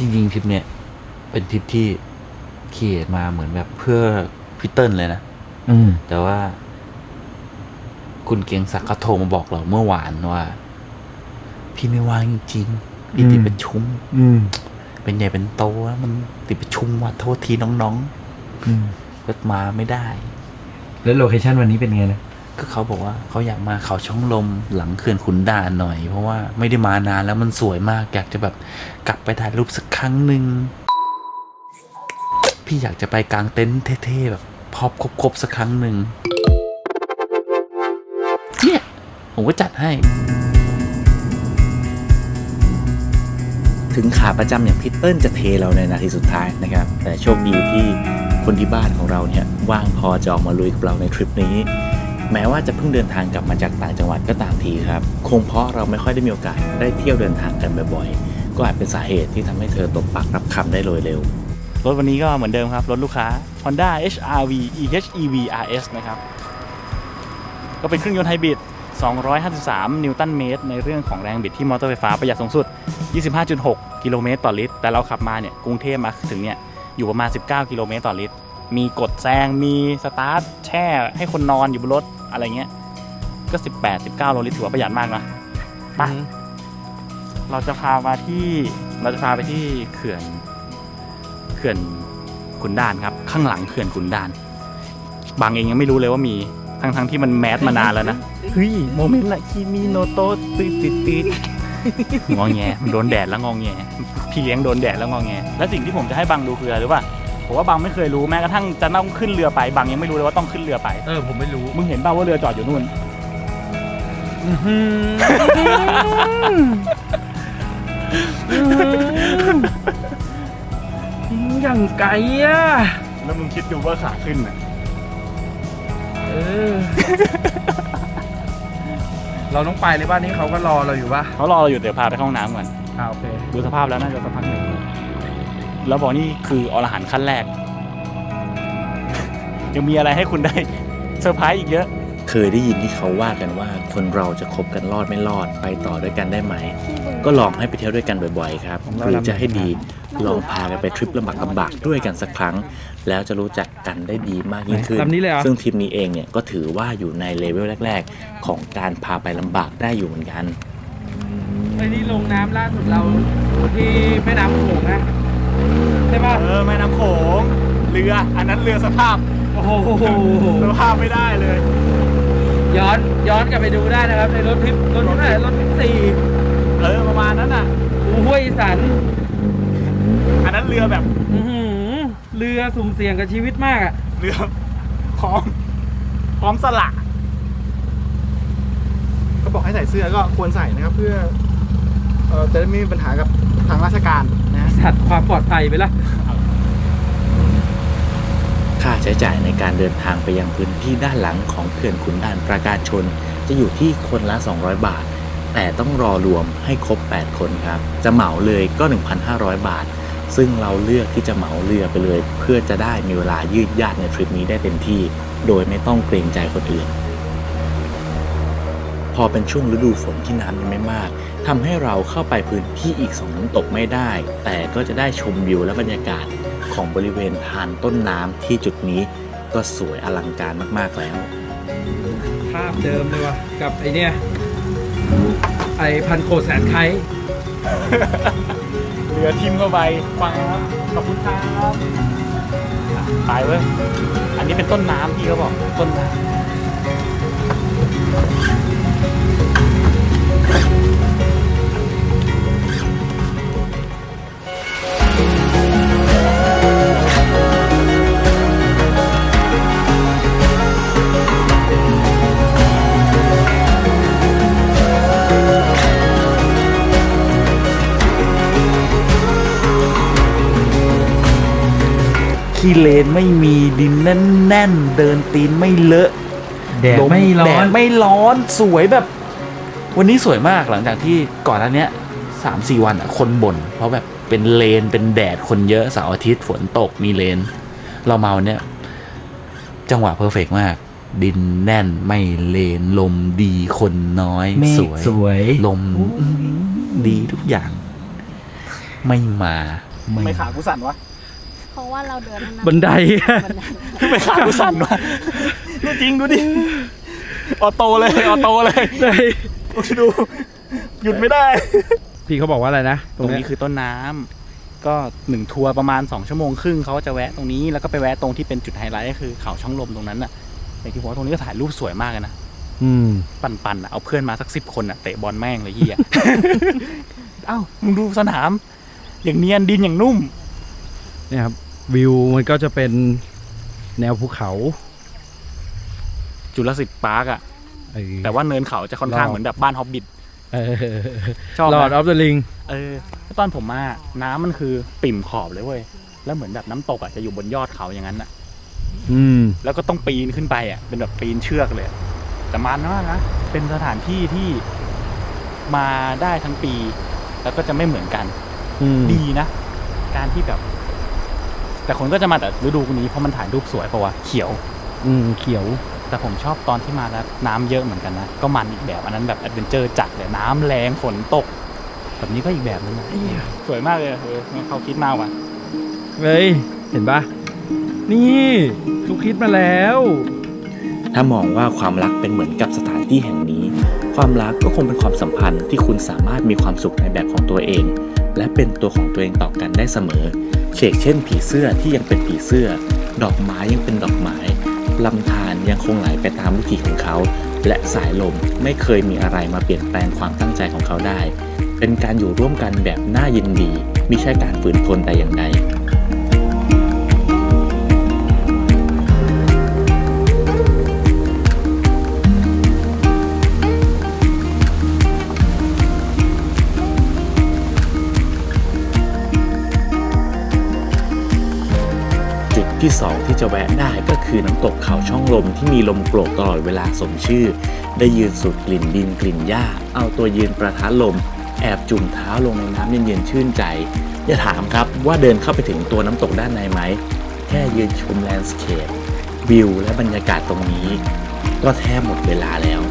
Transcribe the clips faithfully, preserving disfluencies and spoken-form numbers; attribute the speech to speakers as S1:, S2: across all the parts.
S1: จริงๆทริปเนี้ยเป็นทริปที่เขียนมาเหมือนแบบเพื่อพี่เติ้ลเลยนะอืมแต่ว่าคุณเกียงศักดิ์เขาโทรมาบอกเราเมื่อวานว่าพี่ไม่ว่างจริงๆพี่ติดประชุมอืมเป็นใหญ่เป็นโตแล้วมันติดประชุมว่ะโทษทีน้องๆอืมก็มาไม่ได้
S2: แล้วโลเคชั่นวันนี้เป็นไงนะ
S1: ก็เขาบอกว่าเขาอยากมาเขาช่องลมหลังเขื่อนขุนด่านหน่อยเพราะว่าไม่ได้มานานแล้วมันสวยมากอยากจะแบบกลับไปถ่ายรูปสักครั้งหนึ่งพี่อยากจะไปกางเต็นท์เท่ๆแบบพอบครบๆสักครั้งหนึ่งเนี่ยผมก็จัดให้ถึงขาประจำอย่างพีเติ้ลจะเทเราในนาทีสุดท้ายนะครับแต่โชคดีที่คนที่บ้านของเราเนี่ยว่างพอจะออกมาลุยกับเราในทริปนี้แม้ว่าจะเพิ่งเดินทางกลับมาจากต่างจังหวัดก็ตามทีครับคงเพราะเราไม่ค่อยได้มีโอกาสได้เที่ยวเดินทางกันบ่อยๆก็อาจเป็นสาเหตุที่ทำให้เธอตบปากรับคำได้โดยเร็วรถวันนี้ก็เหมือนเดิมครับรถลูกค้า Honda เอช อาร์ วี อี เอช อี วี อาร์ เอส นะครับก็เป็นเครื่องยนต์ไฮบริดสองร้อยห้าสิบสามนิวตันเมตรในเรื่องของแรงบิดที่มอเตอร์ไฟฟ้าประหยัดสูงสุด ยี่สิบห้าจุดหก กิโลเมตรต่อลิตรแต่เราขับมาเนี่ยกรุงเทพมาถึงเนี่ยอยู่ประมาณสิบเก้ากิโลเมตรต่อลิตรมีกดแซงมีสตาร์ทแช่ให้คนนอนอยู่บนรถอะไรเงี้ยก็สิบแปด สิบเก้าโลลิตรถือว่าประหยัดมากนะไปเราจะพามาที่เราจะพาไปที่เขื่อนเขื่อนขุนด่านครับข้างหลังเขื่อนขุนด่านบางเองยังไม่รู้เลยว่ามีทั้งทั้งที่มันแมสมานานแล้วนะเฮ้ยโมเมนต์ละคิมิโนโตะติดติดติดงอแงมันโดนแดดแล้วงอแงพี่เลี้ยงโดนแดดแล้วงอแงและสิ่งที่ผมจะให้บังดูคืออะไรรู้ป่ะผมว่าบังไม่เคยรู้แม้กระทั่งจะต้องขึ้นเรือไปบังยังไม่รู้เลยว่าต้องขึ้นเรือไป
S2: เออผมไม่รู้
S1: มึงเห็นป่าวว่าเรือจอดอยู่นู่น
S2: อย่างไกลอ่ะ
S1: แล้วมึงคิดดูว่าขาขึ้นอ่ะ
S2: เออเราต้องไปเลยบ้านนี้เขาก็รอเราอยู่ป่ะ
S1: เขารอเราอยู่เดี๋ยวพาไปเข้าห้องน้ำก่อน
S2: อ่าโอเค
S1: ดูสภาพแล้วน่าจะสักพักหนึ่งแล้วบอกนี่คืออรหันต์ขั้นแรกยังมีอะไรให้คุณได้เซอร์ไพรส์อีกเยอะเคยได้ยินที่เขาว่ากันว่าคนเราจะคบกันรอดไม่รอดไปต่อด้วยกันได้ไหมก็ลองให้ไปเที่ยวด้วยกันบ่อยๆครับหรือจะให้ดีลองพากันไปทริปลำบากลำบากด้วยกันสักครั้งแล้วจะรู้จักกันได้ดีมากยิ่งขึ้นซึ่งทริปนี้เองเนี่ยก็ถือว่าอยู่ในเลเวลแรกๆของการพาไปลำบากได้อยู่เหมือนกัน
S2: ไอ้นี่ลงน้ำล่าสุดเราที่แม่น้ำโขงนะใช่ป่ะ
S1: เออแม่น้ำโขงเรืออันนั้นเรือสภาพ
S2: โอ้โห
S1: สภาพไม่ได้เลย
S2: ย้อนย้อนกลับไปดูได้นะครับในรถทริปรถที่ไหนรถทริปสี่
S1: เออประมาณนั้นอ่ะ
S2: อู่ห้วยอีสัน
S1: อันนั้นเรือแบบ
S2: อือเรือสุ่มเสี่ยงกับชีวิตมากอ่ะ
S1: เรือพร้อมพร้อมสละ
S3: ก็บอกให้ใส่เสื้อก็ควรใส่นะครับเพื่อเอ่อจะได้ไม่มีปัญหากับทางราชการนะ
S2: สัตว์ความปลอดภัยไปละ
S1: ค่าใช้จ่ายในการเดินทางไปยังพื้นที่ด้านหลังของเขื่อนขุนด่านปราการชนจะอยู่ที่คนละสองร้อยบาทแต่ต้องรอรวมให้ครบแปดคนครับจะเหมาเลยก็ หนึ่งพันห้าร้อย บาทซึ่งเราเลือกที่จะเหมาเรือไปเลยเพื่อจะได้มีเวลายืดยาดในทริปนี้ได้เต็มที่โดยไม่ต้องเกรงใจคนอื่นพอเป็นช่วงฤดูฝนที่น้ำยังไม่มากทำให้เราเข้าไปพื้นที่อีกสองน้ำตกไม่ได้แต่ก็จะได้ชมวิวและบรรยากาศของบริเวณทานต้นน้ำที่จุดนี้ก็สวยอลังการมากๆแล้ว
S2: ภาพเดิมเลยว่ะกับไอเนี้ยไอพันโขดแสนไค
S1: เรือทิมเข้าไปฟังครับขอบคุณครับไปเว้ยอันนี้เป็นต้นน้ำที่เขาบอกต้นน้ำที่เลนไม่มีดินแน่นๆเดินตีนไม่เลอะ
S2: แดดไม่ร้อน
S1: แดดไม่ร้อนสวยแบบวันนี้สวยมากหลังจากที่ก่อนหน้านี้ สามสี่ วันอ่ะคนบ่นเพราะแบบเป็นเลนเป็นแดดคนเยอะเสาร์อาทิตย์ฝนตกมีเลนเรามาวันเนี้ยจังหวะเพอร์เฟกต์มากดินแน่นไม่เลนลมดีคนน้อยสวย
S2: สวย
S1: ลมดีทุกอย่างไม่มา
S3: ทำไม่ขากูสั่นวะ
S4: เพราะว่าเราเดินนั่นนะ
S2: บันได
S4: บันได
S3: ทำไมขากูสั่นวะนี่จริงดูดิออโต้เลยออโต้เลยดูหยุดไม่ได้
S2: พี่เขาบอกว่าอะไรนะ
S3: ตรงนี้คือต้นน้ำก็หนึ่งทัวร์ประมาณสองชั่วโมงครึ่งเขาจะแวะตรงนี้แล้วก็ไปแวะตรงที่เป็นจุดไฮไลท์ก็คือเขาช่องลมตรงนั้นน่ะในที่ผมว่าตรงนี้ก็ถ่ายรูปสวยมากเลยนะ
S2: อืม
S3: ปันๆอ่ะเอาเพื่อนมาสักสิบคนอ่ะเตะบอลแม่งเลยเฮีย เอ้ามึงดูสนามอย่างเนียนดินอย่างนุ่ม
S2: เนี่ยครับวิวมันก็จะเป็นแนวภูเขา
S3: จุลศิษย์ปาร์กอ่ะ
S2: เออ
S3: แต่ว่าเนินเขาจะค่อนข้างเหมือนแบบบ้านฮอบบิท
S2: เออ
S3: ชอบ
S2: ลอร์ดอ
S3: นะ
S2: อฟเดอะลิง
S3: เออแล้วตอนผมมาน้ำมันคือปิ่มขอบเลยเว้ยแล้วเหมือนแบบน้ำตกอ่ะจะอยู่บนยอดเขาอย่างนั้นอ่ะ
S2: อืม
S3: แล้วก็ต้องปีนขึ้นไปอ่ะเป็นแบบปีนเชือกเลยแต่มันมากนะเป็นสถานที่ที่มาได้ทั้งปี แล้วก็จะไม่เหมือนกัน
S2: อืม
S3: ดีนะ การที่แบบ แต่คนก็จะมาแต่ฤดูนี้เพราะมันถ่ายรูปสวยเพราะว่าเขียว
S2: อืมเขียว
S3: แต่ผมชอบตอนที่มาแล้วน้ำเยอะเหมือนกันนะก็มันอีกแบบอันนั้นแบบแอดเวนเจอร์จัดเลยน้ำแรงฝนตก แบบนี้ก็อีกแบบนึงนะสวยมากเลยเออเขาคิดมากว่ะ
S2: เฮ้ย เห็นปะนี่ทุกคิดมาแล้ว
S1: ถ้ามองว่าความรักเป็นเหมือนกับสถานที่แห่งนี้ ความรักก็คงเป็นความสัมพันธ์ที่คุณสามารถมีความสุขในแบบของตัวเอง และเป็นตัวของตัวเองต่อกันได้เสมอเช่นเช่นผีเสื้อที่ยังเป็นผีเสื้อ ดอกไม้ยังเป็นดอกไม้ลำธารยังคงไหลไปตามวิถีของเขา และสายลมไม่เคยมีอะไรมาเปลี่ยนแปลงความตั้งใจของเขาได้ เป็นการอยู่ร่วมกันแบบน่ายินดีไม่ใช่การฝืนทนแต่อย่างใด จุดที่สองที่จะแวะได้ก็คือน้ำตกเขาช่องลมที่มีลมโกรกตลอดเวลาสมชื่อ ได้ยืนสูดกลิ่นดินกลิ่นหญ้าเอาตัวยืนประทะลมแอบจุ่มเท้าลงในน้ำเย็นๆชื่นใจอย่าถามครับว่าเดินเข้าไปถึงตัวน้ำตกด้านในไหมแค่ยืนชมแลนด์สเคปวิวและบรรยากาศตรงนี้ก็แทบหมดเวลาแล้ว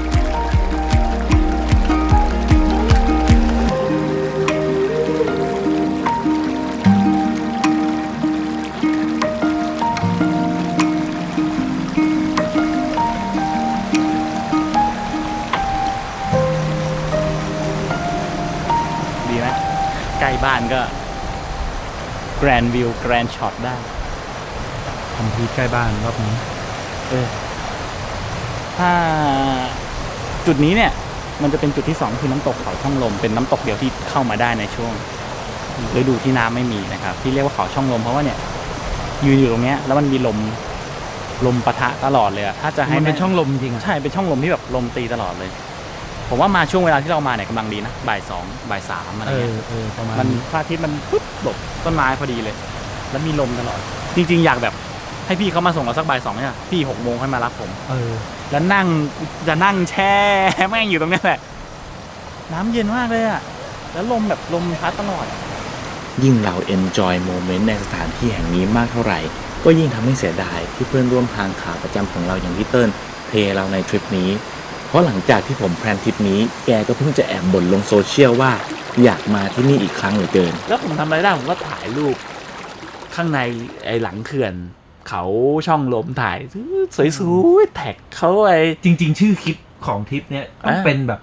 S3: ดีไหมใกล้บ้านก็แกรนด์วิวแกรนด์ช็อตได้
S2: ทำพีใกล้บ้านรอบนี้
S3: เออถ้าจุดนี้เนี่ย มันจะเป็นจุดที่สองคือน้ำตกเขาช่องลมเป็นน้ำตกเดียวที่เข้ามาได้ในช่วงฤดูที่น้ำไม่มีนะครับที่เรียกว่าเขาช่องลมเพราะว่าเนี่ยยืนอยู่ตรงเนี้ยแล้วมันมีลมลมปะทะตลอดเลยอะถ้าจะให้
S2: มันเป็น
S3: แ
S2: ช่องลมจริงอ่ะ
S3: ใช่เป็นช่องลมที่แบบลมตีตลอดเลย ผมว่ามาช่วงเวลาที่เรามาเนี่ยกำลังดีนะบ่ายสองบ่ายสามอะไร
S2: เอ
S3: เงี้
S2: อย เออประมาณ
S3: มันพระอาทิตย์มันปุ๊บหลบต้นไม้พอดีเลย แล้วมีลมตลอด จริงๆอยากแบบให้พี่เขามาส่งเราสักบ่ายสองเนี่ยพี่หกโมงค่อยมารับผม
S2: เออ
S3: แล้วนั่งจะนั่งแช่แม่งอยู่ตรงนี้แหละ น้ำเย็นมากเลยอะแล้วลมแบบลมพัดตลอด
S1: ยิ่งเรา enjoy moment ในสถานที่แห่งนี้มากเท่าไหร่ ก็ยิ่งทำให้เสียดายที่เพื่อนร่วมทางขาประจำของเราอย่างพี่เติ้ลเทเราในทริปนี้ เพราะหลังจากที่ผมแพลนทริปนี้แกก็เพิ่งจะแอบบ่นลงโซเชียลว่าอยากมาที่นี่อีกครั้งเหลือเกิน
S3: แล้วผมทำอะไรได้ผมก็ถ่ายรูปข้างในไอ้หลังเขื่อน เขาช่องลมถ่ายสวยๆแท็กเขาไอ้
S2: จริง ๆ ชื่อคลิปของทริปเนี้ยต้อง
S3: อ่า
S2: เป็นแบบ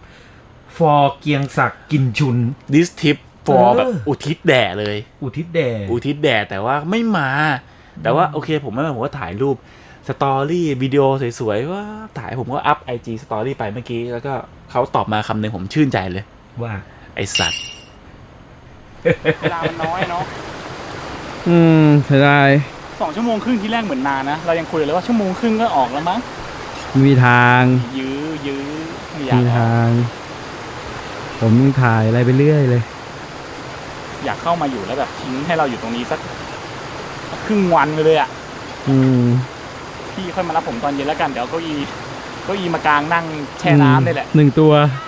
S2: for เกียงศักดิ์กินชุน
S3: this tip for
S2: เออ
S3: แบบอุทิศแด่เลย
S2: อุทิศแด่
S3: อุทิศแด่แต่ว่าไม่มา แต่ว่าโอเคผมไม่มาผมก็ถ่ายรูปสตอรี่วิดีโอสวยๆว่าถ่ายผมก็อัพ ไอ จี สตอรี่ไปเมื่อกี้แล้วก็เขาตอบมาคำหนึ่งผมชื่นใจเลย
S2: ว่า
S3: ไอสัตว์เวลามันน้อยเนาะ
S2: อืมเสียดาย
S3: สองชั่วโมงครึ่งที่แรกเหมือนนานนะเรายังคุยเลยว่าชั่วโมงครึ่งก็ออกแล้วมั้ง
S2: มีทาง
S3: ยื้อยื้อไม่อยาก
S2: มี
S3: ออก
S2: ทาง ผมถ่ายอะไรไปเรื่อยเลย
S3: อยากเข้ามาอยู่แล้วแบบทิ้งให้เราอยู่ตรงนี้สักครึ่งวันไปเลยอ่ะ
S2: อืม
S3: พี่ค่อยมารับผมตอนเย็นแล้วกันเดี๋ยวเก้าอี้เก้าอี้มากลางนั่งแช่น้ำนี่แหละ
S2: หนึ่งตัว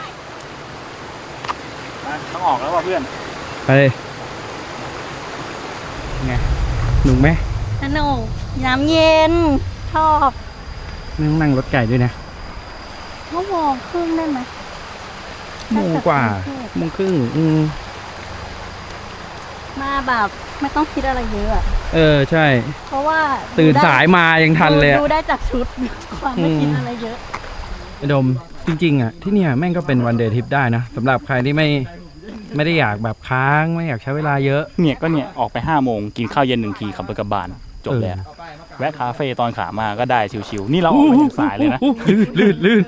S3: นะต้องออกแล้วว่ะเพื่อน
S2: ไปไงหนุกไหม
S4: สนุกน้ำเย็น ชอบ
S2: ไม่ต้องนั่งรถไก่ด้วยนะ
S4: ชั่วโมงครึ่งได้ไหม
S2: โมงกว่าโมงครึ่งอืม
S4: มาแบบไม่ต้องคิดอะไรเยอะอะ
S2: เออใช่
S4: เพราะว่า
S2: ตื่น
S4: ดูได้
S2: สายมายังทันเลยอะ
S4: ดูได้จากชุด ความไม่คิดอะไรเยอะ
S2: ไอ้ดมจริงๆอ่ะที่เนี่ยแม่งก็เป็นวันเดย์ทริปได้นะสำหรับใครที่ไม่ไม่ได้อยากแบบค้างไม่อยากใช้เวลาเยอะ
S3: เนี่ยก็เนี่ยออกไปห้าโมงกินข้าวเย็นหนึ่งทีขับรถกลับบ้านจบแล้วแวะคาเฟ่ตอนขามาก็ได้ชิวๆนี่เราออกไปถึงสายเลยนะ
S2: ลื่นลื่น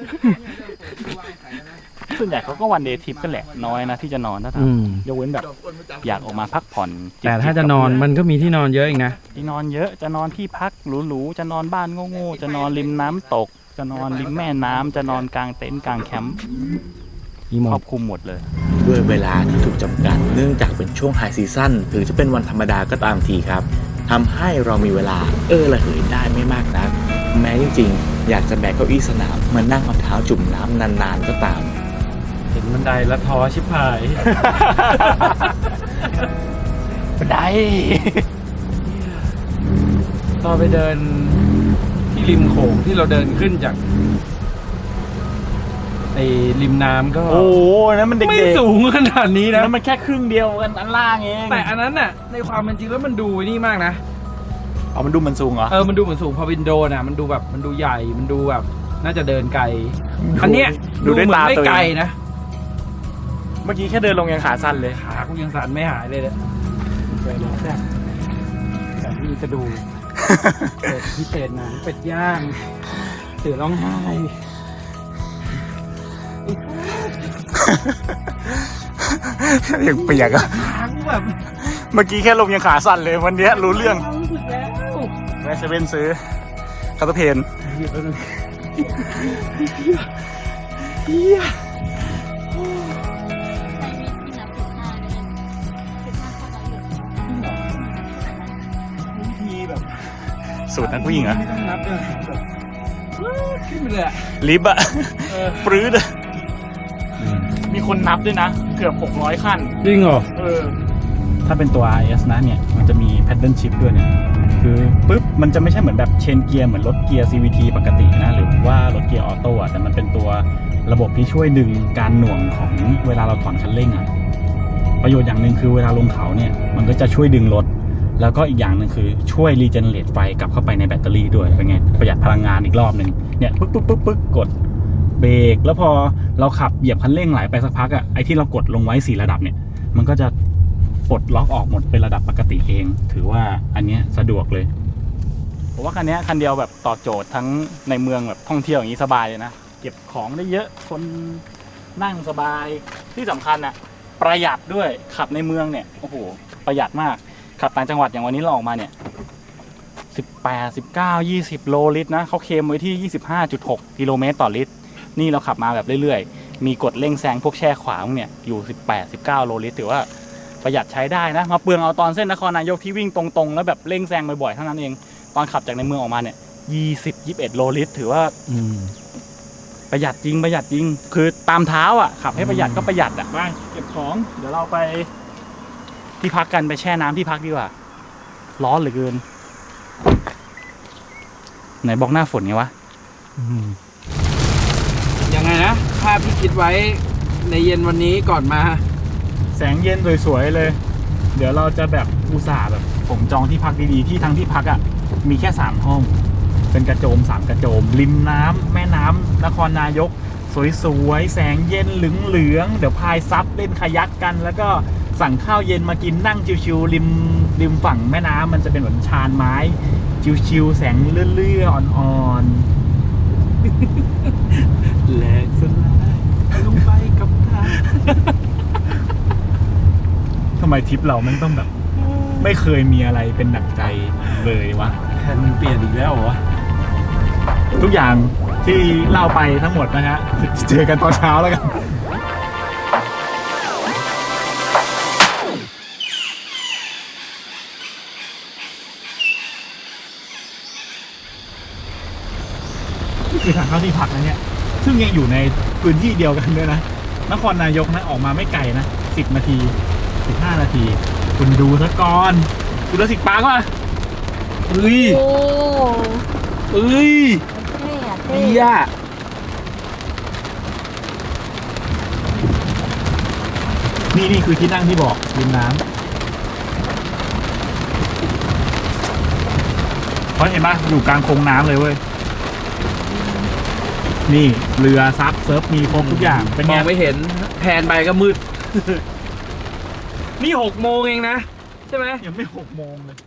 S3: ส่วนใหญ่เขาก็วันเดย์ทริปกันแหละน้อยนะที่จะนอนถ้าท
S2: อืม
S3: ำยกเว้นแบบอยากออกมาพักผ่อนจิบๆ
S2: แต่ถ้าจะนอนมันก็มีที่นอนเยอะอีกนะ
S3: ที่นอนเยอะจะนอนที่พักหรูๆจะนอนบ้านโง่ๆจะนอนริมน้ำตก จะนอนริมแม่น้ำจะนอนกลางเต็นท์กลางแคมป์
S2: มีหม
S3: คร
S2: ด
S3: อบคลุมหมดเลย
S1: ด้วยเวลาที่ถูกจำกัดเนื่องจากเป็นช่วงไฮซีซั่นหรือจะเป็นวันธรรมดาก็ตามทีครับทำให้เรามีเวลาเออระเหยได้ไม่มากนัก แม้จริงๆ อยากจะแบกเก้าอี้สนามมานั่งเอาเท้าจุ่มน้ำนานๆก็ตาม
S2: เห็นบันไดแล้วท้อชิบหาย
S3: บันได
S2: ตอนไปเดินที่ริมโขงที่เราเดินขึ้นจากไอ้ริมน้ำก็
S3: โอ้โหนั่นมันเด็กๆ
S2: ไม่สูงขนาดนี้นะ
S3: นั่นมันแค่ครึ่งเดียวกันอันล่างเอง
S2: แต่อันนั้นน่ะในความเป็นจริงแล้วมันดูนี่มากนะ
S3: เอามันดูมันสูงเหรอ
S2: เออมันดูเหมือนสูงพอวินโดว์น่ะมันดูแบบมันดูใหญ่มันดูแบบน่าจะเดินไกลอันเนี้ย
S3: ดูด้วย
S2: เหมื
S3: ตา
S2: อนไม่
S3: ตัวเอง
S2: ไกลนะ
S3: เมื่อกี้แค่เดินลงยังขาสั้นเลย
S2: ขากูยังสั่นไม่หายเลยเนี่ยไปเลยแซ่บแต่ที่จะดู เป็ดพิเศษหนังเป็ดย่างเสือร้องไห้
S3: ยังเปียกอะ
S2: ทั้งแบบ
S3: เมื่อกี้แค่ลงยังขาสั่นเลยวันนี้รู้เรื่อง
S2: รู้สึกแล้ว
S3: แวะเซเว่นซื้อคาร์เพน
S2: หยิบไปเลย
S3: ทีแบบสูตรนักวิ่งเหรอ
S2: ไม่ต้องนับเลยแบบขึ้นไปเลยอะ
S3: ลิฟต์อะ
S2: เออ
S3: ปรื้ดอะมีคนนับด้วยนะ เกือบหกร้อยขั้น
S2: จริงเหรอ
S3: เออ ถ้าเป็นตัว อาร์ เอส นะเนี่ย มันจะมี paddle shift ด้วยเนี่ย คือปุ๊บ มันจะไม่ใช่เหมือนแบบเชนเกียร์เหมือนรถเกียร์ ซี วี ที ปกตินะ หรือว่ารถเกียร์ออโต้อะแต่มันเป็นตัวระบบที่ช่วยดึงการหน่วงของเวลาเราถอนคันเร่งอะประโยชน์อย่างหนึ่งคือเวลาลงเขาเนี่ย มันก็จะช่วยดึงรถ แล้วก็อีกอย่างหนึ่งคือช่วยรีเจเนเรตไฟกลับเข้าไปในแบตเตอรี่ด้วย เป็นไง ประหยัดพลังงานอีกรอบหนึ่งเนี่ย ปึ๊กปึ๊กปึ๊กปึ๊กกดเบรก แล้วพอเราขับเหยียบคันเร่งไหลไปสักพักอะไอ้ที่เรากดลงไว้สี่ระดับเนี่ย มันก็จะปลดล็อกออกหมดเป็นระดับปกติเอง ถือว่าอันเนี้ยสะดวกเลยผมว่าคันนี้คันเดียวแบบตอบโจทย์ทั้งในเมืองแบบท่องเที่ยวอย่างนี้สบายเลยนะ เก็บของได้เยอะคนนั่งสบายที่สำคัญอะประหยัดด้วยขับในเมืองเนี่ยโอ้โหประหยัดมากขับต่างจังหวัดอย่างวันนี้เราออกมาเนี่ยสิบแปด สิบเก้า ยี่สิบโลลิตรนะเขาเคลมไว้ที่ ยี่สิบห้าจุดหก กิโลเมตรต่อลิตรนี่เราขับมาแบบเรื่อยๆมีกดเร่งแซงพวกแช่ขวางเนี่ยอยู่สิบแปด สิบเก้าโลลิตรถือว่าประหยัดใช้ได้นะมาเปลืองเอาตอนเส้นนครนายกที่วิ่งตรงๆแล้วแบบเร่งแซงบ่อยๆเท่านั้นเองตอนขับจากในเมืองออกมาเนี่ยยี่สิบ ยี่สิบเอ็ดโลลิตรถือว่า
S2: อืม
S3: ประหยัดจริงประหยัดจริงคือตามเท้าอ่ะขับให้ประหยัดก็ประหยัดอ่ะไปเก็บของเดี๋ยวเราไปที่พักกันไปแช่น้ำที่พักดีกว่าร้อนเหลือเกินไหนบอกหน้าฝนไงวะ
S2: ยังไงนะภาพที่คิดไว้ในเย็นวันนี้ก่อนมา
S3: แสงเย็นสวยๆเลย เดี๋ยวเราจะแบบอุตส่าห์แบบผมจองที่พักดีๆที่ทั้งที่พักอ่ะมีแค่สามห้องเป็นกระโจมสามกระโจมริมน้ำแม่น้ำนครนายกสวยๆแสงเย็นเหลืองๆเดี๋ยวพายซับเล่นคายักกัน แล้วก็สั่งข้าวเย็นมากินนั่งชิวๆริมริมฝั่งแม่น้ำมันจะเป็นเหมือนชานไม้ชิวๆแสงเลื่อยๆอ่อนๆ
S2: แหลกสลายลงไปกับทาง
S3: ทำไมทริปเรามันต้องแบบ ไม่เคยมีอะไรเป็นดั่งใจเลยวะ
S2: แผนมันเปลี่ยนอีกแล้วเหรอวะ
S3: ทุกอย่างที่เล่าไปทั้งหมดนะฮะเจอกันตอนเช้าแล้วกันนี่คือทางเข้าที่พักนะเนี่ยซึ่งยังอยู่ในพื้นที่เดียวกันด้วยนะนครนายกนะออกมาไม่ไกลนะสิบนาทีสิบห้านาทีคุณดูซะก่อนคุณดูสิปาร์กป่ะ
S2: เฮ้ย
S4: โอ้
S2: เอ้ย
S4: เท่อะเท่
S2: เฮีย
S3: นี่นี่คือที่นั่งที่บอกริมน้เพราะเห็นปะอยู่กลางโคงน้ำเลยเว้ยนี่เรือซับเซิร์ฟมีครบทุกอย่างเป็น
S2: ม
S3: ไง
S2: องไม่เห็นแผนไปก็มืด นี่หกโมงเองนะ ใช่ไหม
S3: ยังไม่หกโมงเลย